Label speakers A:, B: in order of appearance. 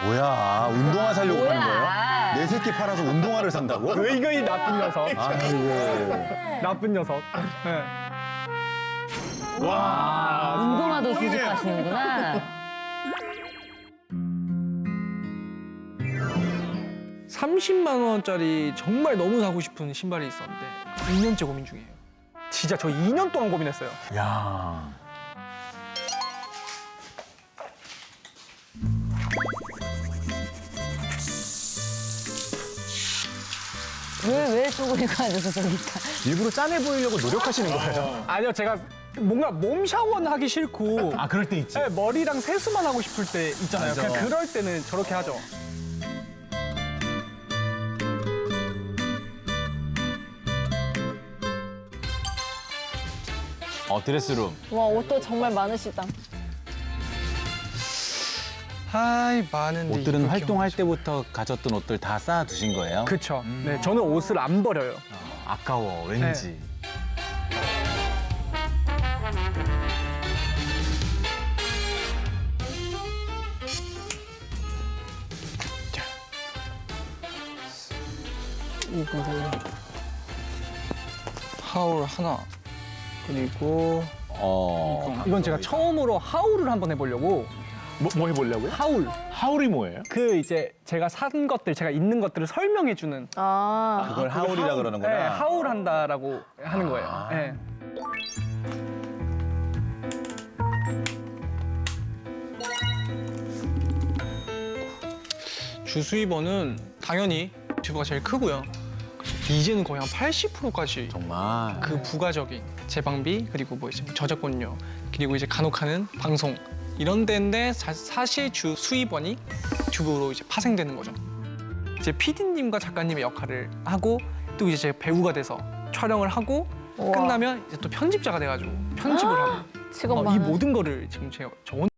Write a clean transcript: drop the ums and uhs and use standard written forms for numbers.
A: 뭐야, 운동화 살려고
B: 뭐야?
A: 하는 거예요? 내 새끼 팔아서 운동화를 산다고?
C: 의거이 나쁜 녀석.
A: 아이고.
C: 나쁜 녀석. 네.
B: 운동화도 수집하시는구나.
C: 30만 원짜리 정말 너무 사고 싶은 신발이 있었는데 2년째 고민 중이에요. 진짜 저 2년 동안 고민했어요.
A: 야.
B: 왜 쪼그리고 앉아서 저기
A: 일부러 짠해 보이려고 노력하시는 거예요?
C: 아니요, 제가 뭔가 몸 샤워는 하기 싫고
A: 아, 그럴 때 있지.
C: 네, 머리랑 세수만 하고 싶을 때 있잖아요.
A: 맞아.
C: 그냥 그럴 때는 저렇게 하죠.
A: 드레스룸.
B: 와, 옷도 정말 많으시다.
C: 아이, 많은데.
A: 옷들은
C: 이렇게
A: 활동할 때부터 가졌던 옷들 다 쌓아 두신 거예요?
C: 그쵸. 네, 저는 옷을 안 버려요.
A: 아까워, 왠지.
C: 이거를 하울 하나, 그리고 이건 제가 처음으로 하울을 한번 해보려고.
A: 뭐 해보려고요?
C: 하울.
A: 하울이 뭐예요?
C: 그 이제 제가 산 것들, 제가 있는 것들을 설명해주는.
B: 아,
A: 그걸 하울이라 그러는구나.
C: 네, 하울한다라고 하는 거예요. 네. 주수입원은 당연히 튜브가 제일 크고요. 이제는 거의 한 80%까지
A: 정말.
C: 그 부가적인 재방비 그리고 뭐 이제 저작권료 그리고 이제 간혹하는 방송 이런 데인데 사실 주 수입원이 튜브로 이제 파생되는 거죠. 이제 PD님과 작가님의 역할을 하고 또 이제 제가 배우가 돼서 촬영을 하고
B: 우와.
C: 끝나면 이제 또 편집자가 돼가지고 편집을 하고
B: 직업
C: 이
B: 많은.
C: 모든 거를 지금 제가 저